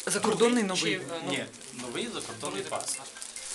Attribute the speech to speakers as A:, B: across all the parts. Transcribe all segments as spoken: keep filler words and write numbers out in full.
A: Закордонний новий?
B: Чи, ну,
C: Ні, новий закордонний паспорт.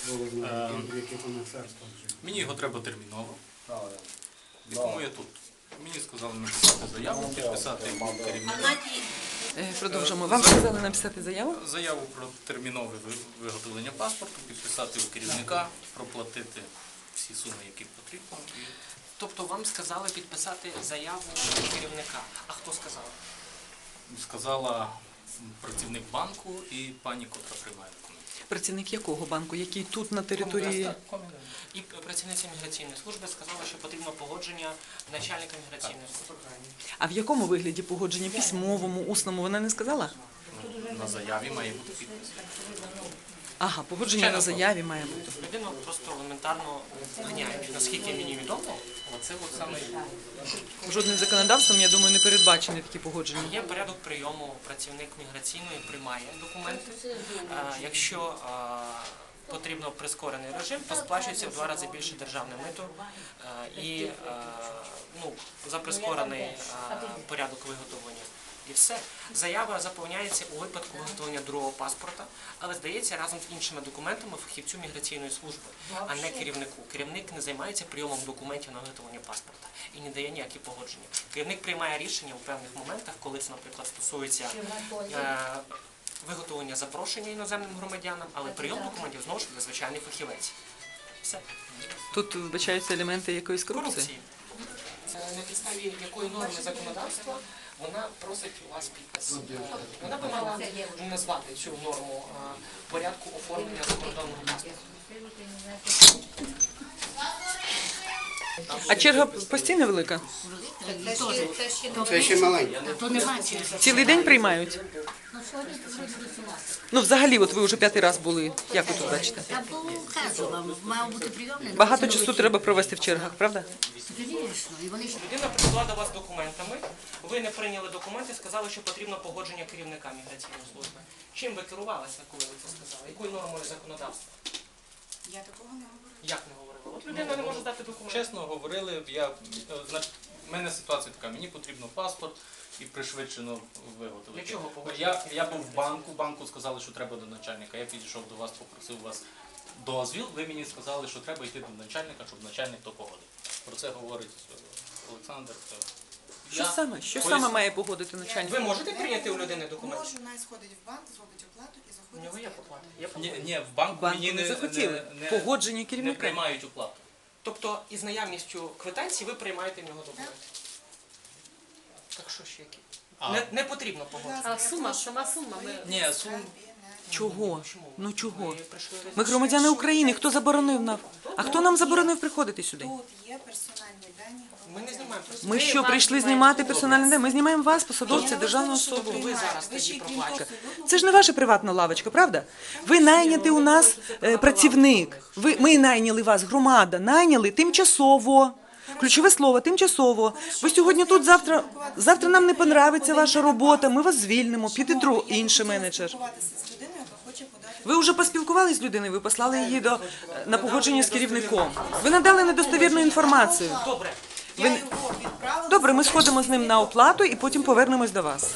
C: Мені його треба терміново. І тому я тут. Мені сказали написати заяву, підписати керівника.
A: Е, Продовжимо. Вам сказали написати заяву?
C: Заяву про термінове ви- виготовлення паспорту, підписати у керівника, проплатити всі суми, які потрібно. І
B: Тобто вам сказали підписати заяву керівника. А хто сказав?
C: сказала працівник банку і пані, котра приймає документи.
A: Працівник якого банку? Який тут на території?
B: І працівниця міграційної служби сказала, що потрібно погодження начальника міграційної служби.
A: А в якому вигляді погодження? Письмовому, усному? Вона не сказала?
C: На заяві має бути підпис.
A: Ага, погодження на заяві має бути.
B: Людину просто елементарно зганяють. Наскільки мені відомо, оце от саме
A: Жодним законодавством, я думаю, не передбачені такі погодження.
B: є порядок прийому. Працівник міграційної приймає документи. Е, Якщо е, потрібно прискорений режим, то сплачується в два рази більше державне мито. Е, І е, ну, за прискорений е, порядок виготовлення. І все. Заява заповняється у випадку виготовлення другого паспорта, але здається разом з іншими документами фахівцю міграційної служби, а не керівнику. Керівник не займається прийомом документів на виготовлення паспорта і не дає ніякі погодження. Керівник приймає рішення у певних моментах, коли це, наприклад, стосується е, виготовлення запрошення іноземним громадянам, але прийом документів знову ж таки звичайний фахівець. Все.
A: Тут вбачаються елементи якоїсь корупції.
B: Корупції. На підставі якої норми законодавства вона просить у вас підпис. Вона би мала назвати цю норму е, порядку оформлення закордонного паспорту.
A: А черга постійно велика?
D: Це ще маленьке.
A: Цілий день приймають? Ну, взагалі, от ви вже п'ятий раз були. Як ви тут бачите?
E: Та по указу вам мав бути прийомний.
A: Багато часу треба провести в чергах, правда?
E: Звісно, і вони ж
B: Людина прийшла до вас з документами, ви не прийняли документи, сказали, що потрібно погодження керівника міграційної служби. Чим ви керувалися, коли ви це сказали? Якою нормою законодавства?
F: Я такого не говорила.
B: Як не говорили? От людина не може дати документи.
C: Чесно говорили, я, е, значить, в мене ситуація така, мені потрібно паспорт і пришвидшено виготовити.
B: Для чого погодження?
C: Я, я був в банку, банку сказали, що треба до начальника. Я підійшов до вас, попросив у вас дозвіл, ви мені сказали, що треба йти до начальника, щоб начальник то погодив. Про це говорить е, Олександр. Е,
A: Що
C: я
A: саме? Що
C: поясню.
A: саме має погодити начальник?
B: Ви можете прийняти у людини документи?
F: Можу, вона сходить в банк, зробить оплату і
B: У
F: заходить.
B: нього є оплата. Є
C: Ні,
B: оплата.
C: ні, в банку,
A: Банку
C: мені
A: не
C: не,
A: захотіли.
C: не, не,
A: Погодження
C: не
A: керівника.
C: приймають оплату.
B: Тобто із наявністю квитанції ви приймаєте в нього документи? Так що ще які?
C: А.
B: Не, не потрібно погодження.
F: А сума, сама сума.
C: Ні, сум...
A: Чого?
B: Чому?
A: Ну чого?
B: Ви прийшли
A: Ми громадяни України, хто заборонив нам? А хто нам заборонив приходити сюди?
F: Тут є персональні дані.
B: Ми не знімаємо просто.
A: Ми що, прийшли знімати персональне де? Ми знімаємо вас, посадовця, державну особу.
B: Ви зараз тоді проплачуєте.
A: Це ж не ваша приватна лавочка, правда? Ви найняти у нас е, працівник. Ви, ми найняли вас, громада, найняли тимчасово. Ключове слово – тимчасово. Ви сьогодні тут, завтра, завтра нам не понравиться ваша робота, ми вас звільнимо, піде друг, інший менеджер.
F: Спілкуватися з людиною, яка хоче подати.
A: Ви вже поспілкувалися з людиною, ви послали її до, на погодження з керівником. Ви надали недостовірну інформацію.
B: Добре.
F: Я його відправила.
A: Добре, ми сходимо з ним на оплату і потім повернемось до вас.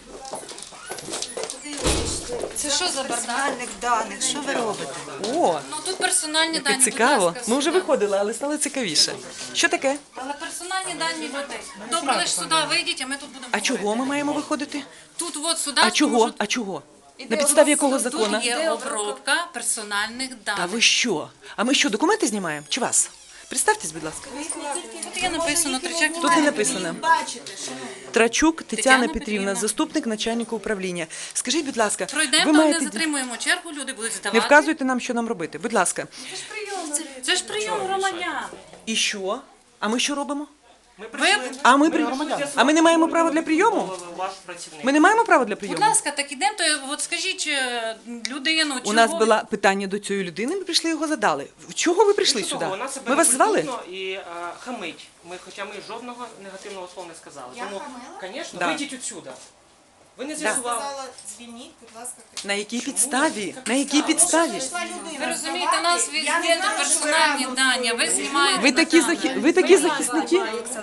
G: Це що за бардак?
F: Персональних даних. Що ви робите?
A: О,
G: Ну тут персональні дані,
A: яке
G: будь
A: цікаво.
G: ласка,
A: Ми вже
G: сюди.
A: виходили, але стало цікавіше. Що таке?
G: Але персональні дані людей. Добре, лише сюди вийдіть, а ми тут будемо.
A: А чого ми маємо виходити?
G: Тут от сюди.
A: А чого?
G: тому що
A: А чого? На підставі якого закону?
G: Тут є обробка персональних
A: Та
G: даних.
A: ви що? А ми що, документи знімаємо? Чи вас? Представтесь, будь ласка.
G: Тут є написано Тричак.
A: Тут не написано.
F: Бачите, що
A: Трачук Тетяна
G: Тетяна
A: Петрівна,
G: Петрівна.
A: заступник начальника управління. Скажіть, будь ласка,
G: Пройдемо,
A: ви
G: там не
A: маєте...
G: затримуємо чергу, люди будуть
A: Не
G: здавати.
A: вказуйте нам, що нам робити. Будь ласка.
G: Це ж прийом громадян.
A: І що? А ми що робимо?
B: Ми
G: Ви,
B: прийшли.
A: А ми, при... а ми не маємо права для прийому?
B: Ваш працівник.
A: Ми не маємо права для
G: будь
A: прийому?
G: ласка, так ідемо, то от скажіть е, людину,
A: У
G: чого
A: нас
G: ви-
A: було питання до цієї людини, ми прийшли його задали. Чого ви прийшли
B: Більше
A: сюди?
B: того, вона себе
A: Ми вас звали?
B: некультурно і е, хамить. Ми, хоча ми жодного негативного слова не сказали.
F: Я
B: Тому,
F: хамила?
B: звісно,
A: Да.
B: вийдіть отсюди. Ви не
F: Я
B: з'ясували.
F: сказала, звільніть, будь ласка, капітана.
A: На якій підставі? На якій підставі?
G: Ви розумієте, нас везде персональні дані, ви знімаєте.
A: Ви такі захи... ви такі захисники?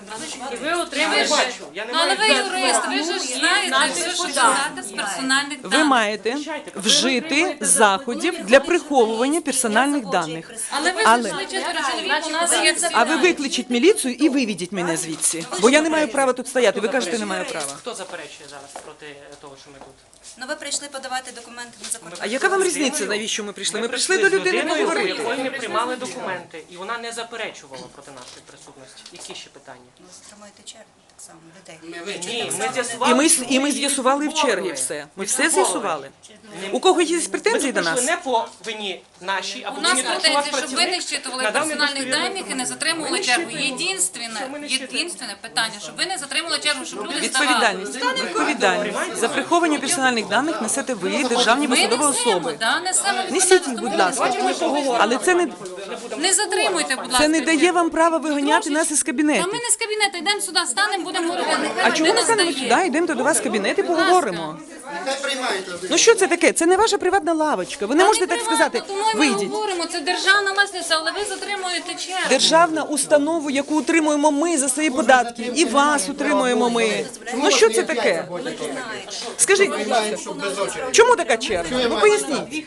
G: І ви отримуєте.
B: Я не
G: Ну, але
B: маю
G: ви юрист, ви ж знаєте все, що писати з персональних
A: Ви
G: даних.
A: маєте вжити заходів для приховування персональних даних.
G: Але ви
A: Але-
G: зайшли четверо чоловік, у нас є це
A: А ви
G: питання.
A: викличіть міліцію і виведіть мене звідси. Бо я не маю права тут стояти. Ви кажете, не маю права.
B: Хто заперечує зараз проти того, що ми тут?
H: Ну ви прийшли подавати документи на закон.
A: А яка вам різниця, навіщо ми прийшли? Ми прийшли до людини
B: людиною, у
A: поговорити.
B: якої ми приймали документи, і вона не заперечувала проти нашої присутності. Які ще питання?
H: Ви стримуєте чергу так само людей.
D: Ми
B: Ні,
D: вичерпали.
B: ми з'ясували.
A: І ми,
B: що
A: і ми
B: ви
A: з'ясували в
B: відмовили.
A: чергі все. Ми все з'ясували. У кого є
B: Ми
A: претензії
B: тут
A: до
B: прийшли
A: нас?
B: не по вині нашій, а по
G: У нас
B: вині того, що у вас
G: претензії, щоб ви не
B: працівник
G: щитували
B: надав
G: персональних
B: недостовірну
G: даних і не затримували
B: Ми не
G: чергу.
B: щитуємо.
G: Єдинственне,
B: Що ми не щитуємо?
G: єдинственне питання, щоб ви не затримували чергу, щоб люди здавали.
A: Відповідальність. Відповідальність. За приховування персональних даних несете ви, державні
G: Ми
A: посадові
G: несемо,
A: особи.
G: да, несемо
A: Несіть їх, будь ласка. Але це не,
G: Не затримуйте, будь ласка.
A: це не дає вам права виганяти нас із
G: А
A: кабінету.
G: ми не з кабінету, йдемо сюди, станемо, будемо говорити.
A: А чому ми станемо
G: здає.
A: сюди, йдемо до вас в кабінет і поговоримо?
D: Нехай приймають люди.
A: Ну що це таке? Це не ваша приватна лавочка. Ви не
G: Та
A: можете так
G: приватно,
A: сказати.
G: тому ми
A: Вийдіть.
G: говоримо, це державна власність, але ви затримуєте чергу.
A: Державна установа, яку утримуємо ми за свої податки, і вас утримуємо ми. Ну що це таке? Скажіть, будь ласка,
D: Щоб без очереди.
A: чому така черга? Ну поясніть.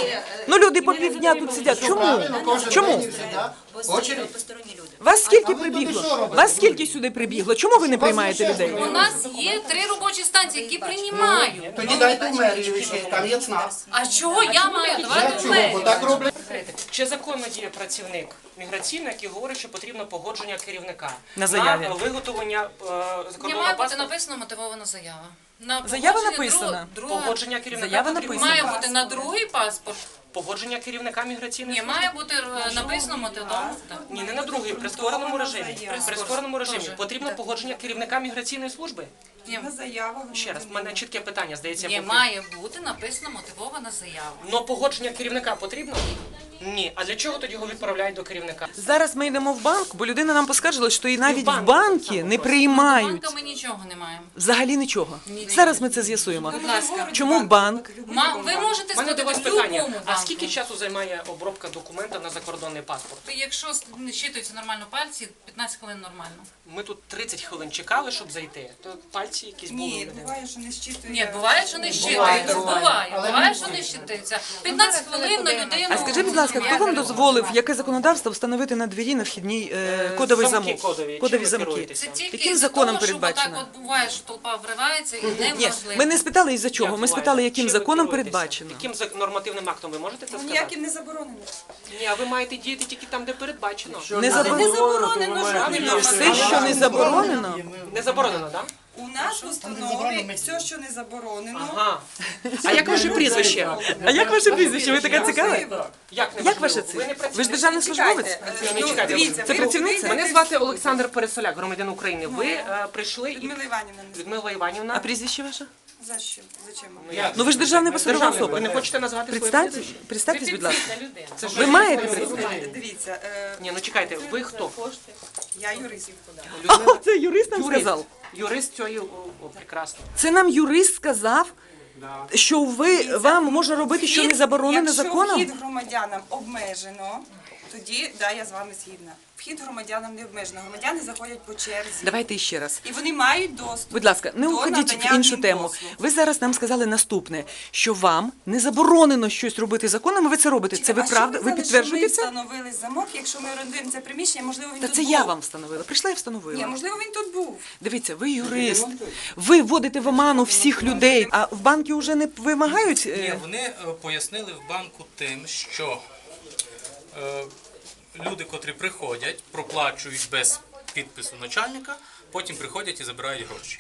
A: Ну люди по півдня тут сидять. Чому? Чому?
D: Очередь.
H: Посторонні люди.
A: Вас скільки прибігло? Вас скільки сюди прибігло? Чому ви не приймаєте людей?
G: У нас є три робочі станції, які приймають.
D: Тоді дайте в мерію ще, там є ЦНАП.
G: А чого я маю давати в
D: Чого? Бо
G: мерію?
D: так роблять.
B: Чи законно діє працівник міграційний, який говорить, що потрібно погодження керівника
A: На заяві.
B: на виготовлення е,
G: Не
B: закордонного
G: має бути
B: паспорту?
G: написано мотивована заява. На
A: Заява
G: погодження
A: написана.
G: дру- друга-
B: Погодження керівника
A: Заява
B: потрібно.
A: написана.
G: Має бути на другий паспорт.
B: Погодження керівника міграційної
G: Ні,
B: служби?
G: має бути е, написано мотивована. Так.
B: Ні, не на другий, при скореному режимі. При прискореному режимі.
G: Тоже.
B: Потрібно погодження керівника міграційної служби?
G: Ні,
F: На заявах.
B: Ще раз, в мене чітке питання, здається,
G: Ні,
B: потрібно.
G: має бути написано мотивована заява.
B: Но погодження керівника потрібно? Ні. А для чого тоді його відправляють до керівника?
A: Зараз ми йдемо в банк, бо людина нам поскаржила, що і навіть в
B: банк
A: банки не приймають
G: Банка ми нічого не маємо.
A: взагалі нічого. Зараз ми це з'ясуємо.
G: Будь ласка.
A: Чому банк?
G: Ма, ви можете
B: У мене до вас
G: сходити в
B: питання.
G: любому
B: А
G: банку.
B: скільки часу займає обробка документа на закордонний паспорт?
G: Якщо не щитуються нормально пальці, п'ятнадцять хвилин нормально.
B: Ми тут тридцять хвилин чекали, щоб зайти. То пальці якісь були. у
F: Ні,
B: людини.
F: буває, що не щитує.
G: Ні, буває, що не щитується. Буває, буває, що не щитується. п'ятнадцять хвилин на людину.
A: А скажіть, будь ласка, хто вам дозволив, яке законодавство встановити на двері на вхідній е, кодовий
B: Замки
A: замок?
B: кодові.
A: Кодові
B: Чим ви
A: замки.
B: керуєтеся?
G: Це тільки
A: Яким
G: із-за
A: законом
G: того, що
A: передбачено?
G: Так от буває, що толпа вривається і
A: Ні,
G: неможливо.
A: ми не спитали із-за чого.
B: Як
A: Ми
B: буває?
A: спитали, яким
B: Чим ви
A: законом
B: керуєтеся?
A: передбачено.
B: Яким зак- нормативним актом ви можете це сказати?
F: Ніяким не заборонено.
B: Ні, а ви маєте діяти тільки там, де передбачено.
A: Не заборонено.
F: Не заборонено жодним
A: Все, що не заборонено,
B: Не заборонено, так?
F: У нас в установі все, що не заборонено.
B: Ага. А як ваше прізвище?
A: А як ваше прізвище? Ви така цікава?
B: Як, не
A: Як ваше
B: важливо?
A: це?
B: Ви не
A: Ви ж
B: працівник?
A: державний службовець?
B: Ні,
F: Ну,
B: чекайте.
F: дивіться,
A: Це
F: ви-
A: працівниця?
F: ви-
B: Мене звати Олександр Пересоляк, громадян України. Ви е, прийшли і
F: Людмила Іванівна, не
B: Людмила
A: А
B: Іванівна.
A: прізвище ваше?
F: за що? Зачем?
A: Ну ви ж державна посадова
B: Державний, ви
A: особа.
B: не хочете назвати своє
A: Представте,
B: прізвище?
A: представтесь, будь ласка.
B: Це ж
A: Ви маєте прізвище?
F: Дивіться, е,
B: Ні, ну чекайте, ви хто?
F: я юрист.
A: О, це юрист нам
B: Юрист.
A: сказав.
B: Юрист цієї, о, о, прекрасно.
A: Це нам юрист сказав, що ви вам можна робити, що не заборонено
F: Якщо
A: законом.
F: вхід громадянам обмежено, тоді да, я з вами згідна. Вхід громадянам не обмежено. Громадяни заходять по черзі.
A: Давайте ще раз.
F: І вони мають доступ.
A: Будь ласка, не
F: до
A: уходіть
F: надання
A: в іншу
F: їм
A: тему.
F: послуг.
A: Ви зараз нам сказали наступне, що вам не заборонено щось робити законом, і ви це робите. Це ви
F: А що
A: правда? Ви
F: взяли,
A: підтверджуєте
F: що
A: це?
F: ми встановили замок, якщо ми орендуємо це приміщення, можливо, він
A: Та
F: тут
A: це
F: був.
A: я вам встановила. Прийшла і
F: Ні,
A: встановила.
F: можливо, він тут був.
A: Дивіться, ви юрист. Ви вводите в оману всіх людей. А в банки вже не вимагають. е,
C: Ні, вони е, пояснили в банку тим, що е, люди, котрі приходять, проплачують без підпису начальника, потім приходять і забирають гроші.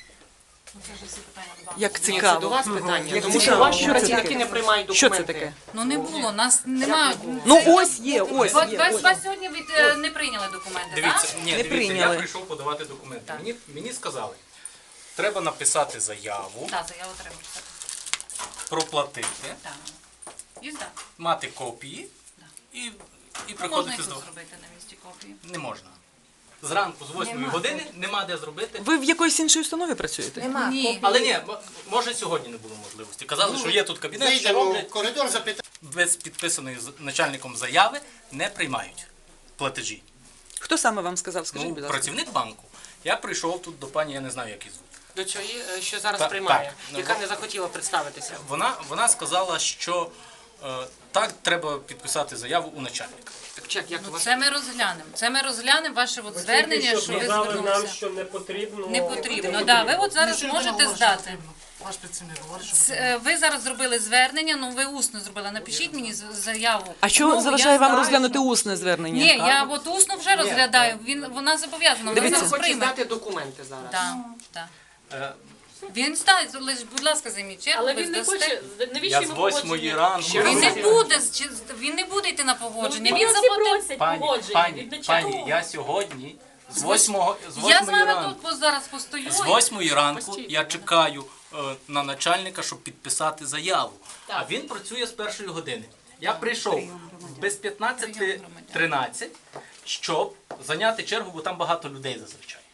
A: Як
B: Ні, це до
A: цікаво.
B: вас питання.
A: Як
B: Тому що
A: цікаво.
B: ваші
A: Що це
B: працівники
A: таке?
B: не приймають
A: Що
B: документи.
A: це таке?
G: Ну не було, нас немає.
A: Ну ось є, ось
G: Вас,
A: є.
G: вас,
A: ось.
G: вас сьогодні від, е, не прийняли документи,
C: Дивіться,
G: так?
C: ні,
A: Не
C: дивіться, я
A: прийняли.
C: прийшов подавати документи. Мені, мені сказали, треба написати заяву,
G: Так, заяву треба писати.
C: проплатити,
G: Так. Їзда.
C: мати копії і, і
G: Ну, можна
C: приходити
G: і
C: з
G: тут
C: до...
G: зробити на місці копії.
C: Не можна. зранку з восьмої години нема де зробити.
A: Ви в якоїсь іншій установі працюєте?
G: Ні.
C: Але ні, м- може сьогодні не було можливості. Казали, що є тут кабінет, що
D: Вийдемо в
C: роблять.
D: коридор, запитаємо.
C: Без підписаної з- начальником заяви не приймають платежі.
A: Хто саме вам сказав? Скажіть,
C: Ну,
A: будь ласка.
C: працівник банку. Я прийшов тут до пані, я не знаю, як її звуть.
B: До цієї, е, що зараз
C: Так,
B: приймає,
C: так.
B: яка не захотіла представитися.
C: Вона, вона сказала, що е, так треба підписати заяву у начальника.
B: Так, чек, як у вас?
G: Це ми розглянемо. Це ми розглянемо ваше от звернення, що ви звернулися.
I: що не потрібно.
G: Не потрібно. Да, ви от зараз можете здати.
I: Ваш працівник говорить, що
G: С- е, Ви зараз зробили звернення, ну ви усно зробили. Напишіть мені з- заяву.
A: А що
G: Ну,
A: заважає
G: я
A: вам
G: знаю,
A: розглянути
G: що-
A: усне звернення?
G: Ні, я от усно вже розглядаю. Він вона зобов'язана. Вона
A: Дивіться.
G: зараз
B: Хоче
G: прийме.
B: здати документи зараз.
G: Так, так.
C: Е,
G: Він здає, лише, будь ласка, займіть чергу.
J: Але
G: ви
J: він не
G: здасте.
J: хоче, навіщо
C: Я з
J: йому
C: восьмої
J: погодження?
C: ранку.
G: Він не буде, з- чи- він не буде йти на погодження. Він
J: Всі
G: заплатив.
J: просять
C: Пані,
J: погодження
C: пані,
J: від
C: пані,
J: начальника.
C: я сьогодні з восьмого, з
G: Я з
C: восьмої
G: вами
C: ранку,
G: тут по- зараз постою.
C: з восьмої ранку я чекаю е, на начальника, щоб підписати заяву. А він працює з першої години. Я прийшов без п'ятнадцяти тринадцять, щоб зайняти чергу, бо там багато людей зазвичай.